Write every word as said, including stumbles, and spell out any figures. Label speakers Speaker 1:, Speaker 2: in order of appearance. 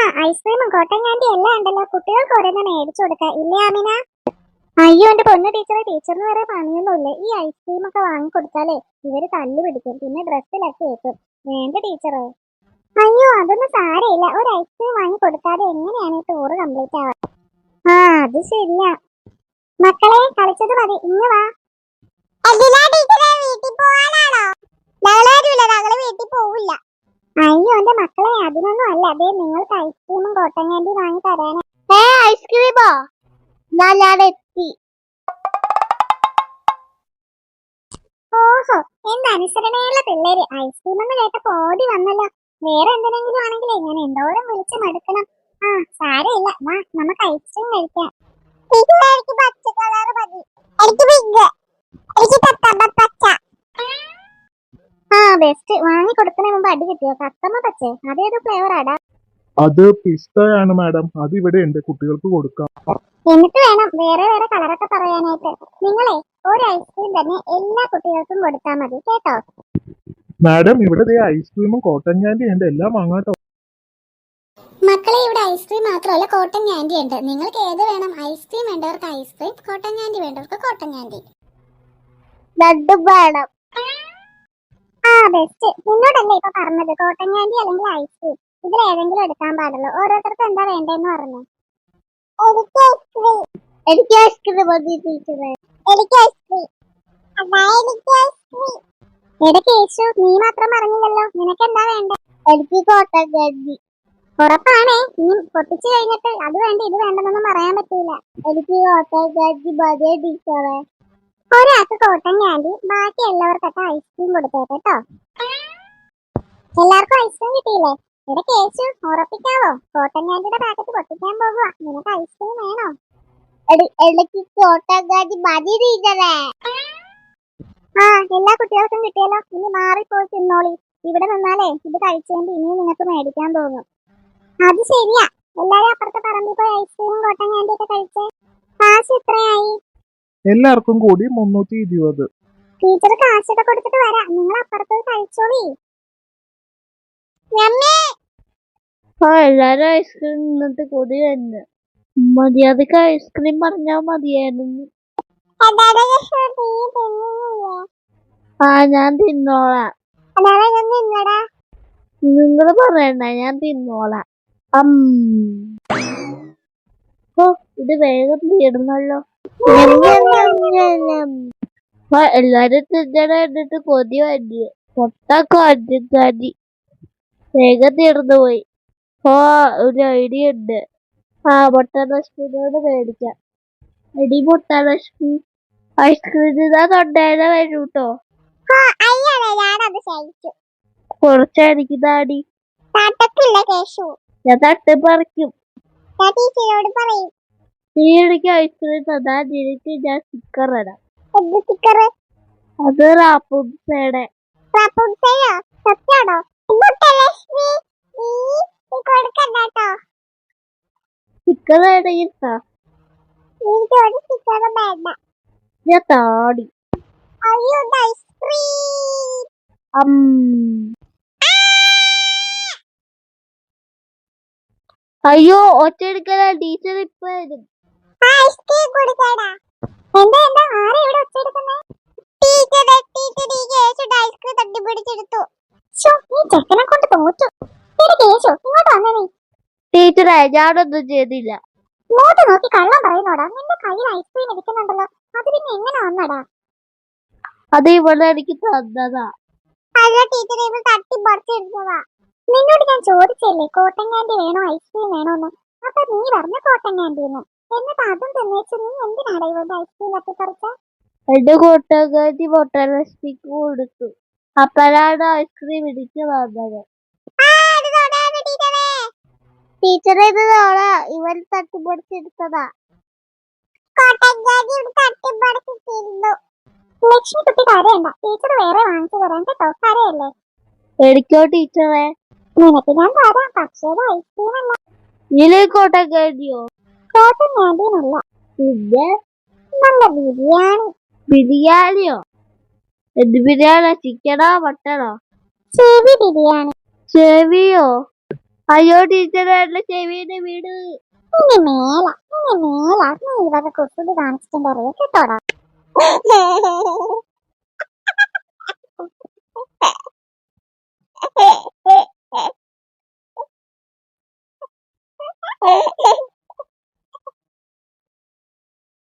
Speaker 1: ഐസ്ക്രീമും cotton candy എല്ലാം ഉണ്ടല്ലോ. കുട്ടികൾക്ക് ഓരോന്ന് മേടിച്ചു കൊടുക്കാം ഇല്ലേ ആമിന? അയ്യോ എന്റെ പൊന്നു ടീച്ചറെ, ടീച്ചറിന് വേറെ പണിയൊന്നുമില്ല. ഈ ഐസ്ക്രീം ഒക്കെ വാങ്ങി കൊടുത്താലേ ഇവര് തല്ലു പിടിക്കും, പിന്നെ ഡ്രസ്സിലൊക്കെ ഏക്കും. വേണ്ട ടീച്ചറെ. അയ്യോ അതൊന്നും സാരമില്ല, ഒരു ഐസ്ക്രീം വാങ്ങി കൊടുക്കാതെ എങ്ങനെയാണ് ഈ ടൂറ് കംപ്ലീറ്റ് ആവാ? ആ അത് ശരിയാ. മക്കളെ കളിച്ചത് മതി, ഇന്ന് വാ. അയ്യോ എന്റെ മക്കളെ അതിനൊന്നും അല്ല, അതെ നിങ്ങൾക്ക് ഐസ്ക്രീമും കോട്ടൻ കാൻഡി വാങ്ങി തരാനാ. ഏ ഐസ്ക്രീമോ? ഞാൻ എത്തി. ഓഹോ എന്ത് അനുസരണയുള്ള പിള്ളേര്. ഐസ്ക്രീം എന്ന് കേട്ടപ്പോ ഓടി വന്നല്ലോ. വേറെ എന്തിനെങ്കിലും ആണെങ്കിലേ ഞാൻ എന്തോരം വിളിച്ച് മടുക്കണം. ആ സാരമില്ല, വാ നമുക്ക് ഐസ്ക്രീം കഴിക്കാം. എനിക്ക് പച്ച കളർ മതി. എനിക്ക് പിങ്ക്. എനിക്ക് പച്ച. ആ ബെസ്റ്റ്. വാങ്ങി കൊടുക്കുന്നതിന് മുമ്പ് അടി കിട്ടിയോ? കത്തമ്മ പച്ചേ അതേത് ഫ്ലേവർ ആടാ?
Speaker 2: അത് പിസ്തയാണ് മാഡം. അത് ഇവിടെ ഉണ്ട്, കുട്ടികൾക്ക് കൊടുക്കാം.
Speaker 1: എന്നിട്ട് വേണം വേറെ വേറെ കളറൊക്കെ പറയാനായിട്ട്. നിങ്ങളെ ഒരു ഐസ്ക്രീം തന്നെ എല്ലാ കുട്ടികൾക്കും കൊടുത്താൽ മതി കേട്ടോ.
Speaker 2: മാഡം ഇവിടെ ഐസ്ക്രീമും കോട്ടൺ കാൻഡി ഉണ്ട്, എല്ലാം വാങ്ങാട്ടോ.
Speaker 1: മക്കളെ ഇവിടെ ഐസ്ക്രീം മാത്രമല്ല കോട്ടൺ കാൻഡി ഉണ്ട്. നിങ്ങൾക്ക് ഏത് വേണം? ഐസ്ക്രീം വേണ്ടവർക്ക് ഐസ്ക്രീം, കോട്ടൺ കാൻഡി വേണ്ടവർക്ക് കോട്ടൺ കാൻഡി. രണ്ടും വേണം. ആ ബെസ്റ്റ്. നിന്നോടല്ലേ ഇപ്പൊ പറഞ്ഞത് കോട്ടൺ കാൻഡി അല്ലെങ്കിൽ ഐസ്ക്രീം, ഇതിൽ ഏതെങ്കിലും എടുക്കാൻ പാടുള്ളൂ. ഓരോരുത്തർക്കും എന്താ വേണ്ടെന്ന് പറഞ്ഞു. എനിക്ക് ഐസ്ക്രീം. എനിക്ക് ഐസ്ക്രീം മതി ടീച്ചറെ. എനിക്ക് ഐസ്ക്രീം. എനിക്ക് ഐസ്ക്രീം. എടാ കേശു, നീ മാത്രം പറഞ്ഞില്ലല്ലോ, നിനക്ക് എന്താ വേണ്ടേ? എനിക്ക് കോട്ടൺ കാൻഡി. ഉറപ്പാണേ? നീ പൊട്ടിച്ചു കഴിഞ്ഞിട്ട് അത് വേണ്ട ഇത് വേണ്ടെന്നൊന്നും പറയാൻ പറ്റൂല. എനിക്ക് കോട്ടൺ കാൻഡി മതി ടീച്ചറെ. ഒരാൾക്ക് കോട്ടൺ കാൻഡി, ബാക്കി എല്ലാവർക്കൊക്കെ ഐസ്ക്രീം കൊടുത്തേട്ടോ. എല്ലാവർക്കും ഐസ്ക്രീം കിട്ടിയില്ലേ? ഇവിടെ കേശു ഉറപ്പിക്കാവോ? കോട്ടൺ കാൻഡിയുടെ പാക്കറ്റ് പൊട്ടിക്കാൻ പോകുക. നിനക്ക് ഐസ്ക്രീം വേണോ? എനിക്ക് കോട്ടൺ കാൻഡി മതി ടീച്ചറെ. ആ എല്ലാ കുട്ടികൾക്കും കിട്ടിയല്ലോ. ഇനി മാറിപ്പോയി തിന്നോളി. ഇവിടെ നിന്നാലേ ഇത് കഴിച്ചുകൊണ്ട് ഇനിയും നിങ്ങൾക്ക് മേടിക്കാൻ തോന്നും. അത് ശരിയാ. എല്ലാരും അപ്പുറത്തെ പറമ്പിൽ പോയി ഐസ്ക്രീമും കോട്ടൺ കാൻഡി ഒക്കെ കഴിച്ചേ. കാശ് എത്രയായി?
Speaker 2: എല്ലാവർക്കും കൂടി മുന്നൂറ്റി ഇരുപത്.
Speaker 1: ടീച്ചർ കാശൊക്കെ കൊടുത്തിട്ട് വരാം, നിങ്ങൾ അപ്പുറത്ത് കഴിച്ചോളി.
Speaker 3: എല്ലാരും ഐസ്ക്രീം നിന്നിട്ട് കൊതി തന്നെ. മര്യാദക്ക് ഐസ്ക്രീം പറഞ്ഞാ മതിയായിരുന്നു. ആ ഞാൻ തിന്നോളാം. നിങ്ങള് പറയണ്ട, ഞാൻ തിന്നോളാം. ഓ ഇത് വേഗം തീർന്നല്ലോ. എല്ലാരും തിന്നണ കണ്ടിട്ട് കൊതി വന്നു. പൊട്ടാക്കോ അഞ്ചാതി വേഗം തീർന്നു പോയി. ഓ ഒരു ഐഡിയ ഉണ്ട്. ആ മുട്ടലക്ഷ്മിനോട് മേടിക്കാം. എടി മുട്ടലക്ഷ്മി, ഐസ്ക്രീം തിന്നാൻ തൊണ്ടേനെ വരൂട്ടോ. കുറച്ചായിരിക്കും താടി. ഞാൻ തട്ട് പറിക്കും. നീ എനിക്ക് ഐസ്ക്രീം തന്നാ നിനക്ക് ഞാൻ സ്റ്റിക്കർ ഇടാം. അത് റാപ്പുൻസയുടെ. സ്റ്റിക്കർ വേണമെങ്കിൽ ഞാൻ താടി. അയ്യോ ഒറ്റയെടുക്കല, ടീച്ചർ ഇപ്പൊ വരും. ടീച്ചറെ ഞാനൊന്നും ചെയ്തില്ല.
Speaker 1: ഇങ്ങോട്ട് നോക്കി കള്ളം പറയുന്നോടാ. നിന്റെ കയ്യിൽ ഐസ്ക്രീം ഇരിക്കുന്നുണ്ടല്ലോ, അത് പിന്നെ എങ്ങനെ വന്നടാ?
Speaker 3: അത് ഇവിടെ എനിക്ക് തന്നതാ.
Speaker 1: അല്ല ടീച്ചറെ, ഇവൾ തട്ടി പറിച്ചെടുത്തതാ. നിന്നോട് ഞാൻ ചോദിച്ചല്ലേ കോട്ടൺ കാൻഡി വേണോ ഐസ്ക്രീം വേണോന്ന്? അപ്പൊ നീ പറഞ്ഞ കോട്ടൺ കാൻഡിന്ന്. എന്നിട്ട് അതും തിന്നേച്ച് നീ എന്തിനാടാ ഇവളുടെ ഐസ്ക്രീം തട്ടിപ്പറിച്ച?
Speaker 3: എന്റെ കോട്ടൺ കാൻഡി മുട്ടലക്ഷ്മിക്ക് കൊടുത്തു. അപ്പോഴാണ് ഐസ്ക്രീം ഇടിച്ചു വന്നത്.
Speaker 1: ടീച്ചറെ ഇത് ഇവർ തട്ടിപ്പറിച്ചെടുത്തതാ. ലക്ഷ്മി കുട്ടി കരയണ്ട, ടീച്ചർ വേറെ വാങ്ങിച്ചു തരാൻ കേട്ടോ. കരയല്ലേ?
Speaker 3: എടുക്കോ ടീച്ചറെ.
Speaker 1: നിനക്ക് ഞാൻ തരാം, പക്ഷേ ഐസ്ക്രീം അല്ല.
Speaker 3: ഇതിലെ കോട്ടൺ കാൻഡിയോ?
Speaker 1: കോട്ടൺ കാൻഡിയല്ല,
Speaker 3: പിന്നെ
Speaker 1: നല്ല ബിരിയാണി.
Speaker 3: ബിരിയാണിയോ? എന്ത് ബിരിയാണി? ചിക്കനോ മട്ടനോ?
Speaker 1: ചെവി ബിരിയാണി.
Speaker 3: ചെവിയോ? അയ്യോ ടീച്ചറെ എന്റെ ചെവിയുടെ വീട്.
Speaker 1: ഇനി മേല ഇനി മേല നീ ഇവരുടെ കുസൃതി കാണിച്ചിട്ടുണ്ടറിയോ കേട്ടോടാ.